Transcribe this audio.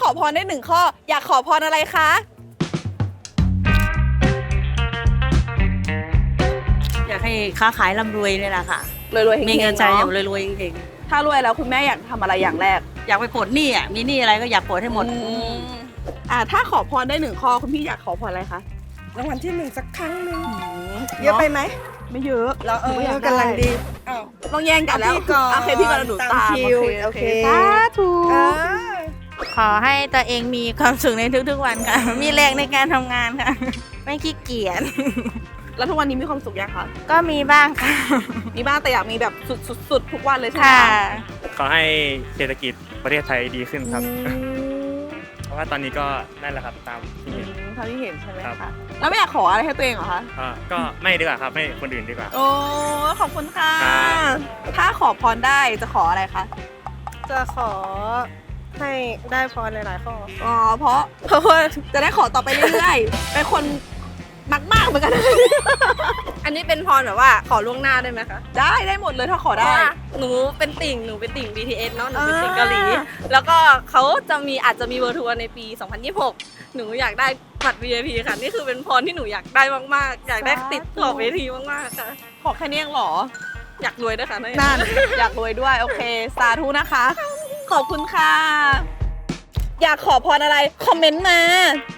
อพรได้1 ข้ออยากขอพรอะไรคะอยากให้ค้าขายร่ำรวยนี่แหละค่ะรวยๆมีเงินใจอย่างรวยๆจริงถ้ารวยแล้วคุณแม่อยากทำอะไรอย่างแรกๆอยากไปปลดหนี้อ่ะมีหนี้อะไรก็อยากปลดให้หมดถ้าขอพรได้1 ข้อคุณพี่อยากขอพรอะไรคะรางวัลที่1สักครั้งหนึ่งเยอะไปไหมไม่เยอะเรากำลังดีต้องแย่งกันแล้วโอเคพี่ก่อนหนูตามโอเคสาธุขอให้ตัวเองมีความสุขในทุกๆวันค่ะ มีแรงในการทำงานค่ะ ไม่ขี้เกียจแล้วทุกวันนี้มีความสุขยังคะก็มีบ้างค่ะมีบ้างแต่อยากมีแบบสุดทุกวันเลยใช่ไหมค่ะขอให้เศรษฐกิจประเทศไทยดีขึ้นครับ เพราะว่าตอนนี้ก็นั่นแหละครับตามที่เห็นเท่าที่เห็นใช่ไหมครัคะบแล้วไม่อยากขออะไรให้ตัวเองเหรอคะก็ไม่ดีกว่าครับให้คนอื่นดีกว่าโอ้ขอบคุณค่ะครับถ้าขอพรได้จะขออะไรคะจะขอให้ได้พรหลายๆข้ออ๋อเพราะว่าจะได้ขอต่อไปเรื่อยๆ เป็นคนมากๆเหมือนกันอันนี้เป็นพรแบบว่าขอล่วงหน้าได้ไหมคะได้หมดเลยถ้าขอเพได้ราะว่าหนูเป็นติ่ง BTS เนาะ หนูเป็นติ่งเกาหลี แล้วก็เขาอาจจะมีเวอร์ทัวร์ในปี 2026 หนูอยากได้บัตร VIP ค่ะ นี่คือเป็นพรที่หนูอยากได้มากๆ อยากได้ติดขอบเวทีมากๆค่ะขอแค่นี้เองเหรออยากรวยด้วยค่ะนั่น อยากรวยด้วย โอเค สาธุนะคะ ขอบคุณค่ะ อยากขอพรอะไร คอมเมนต์มา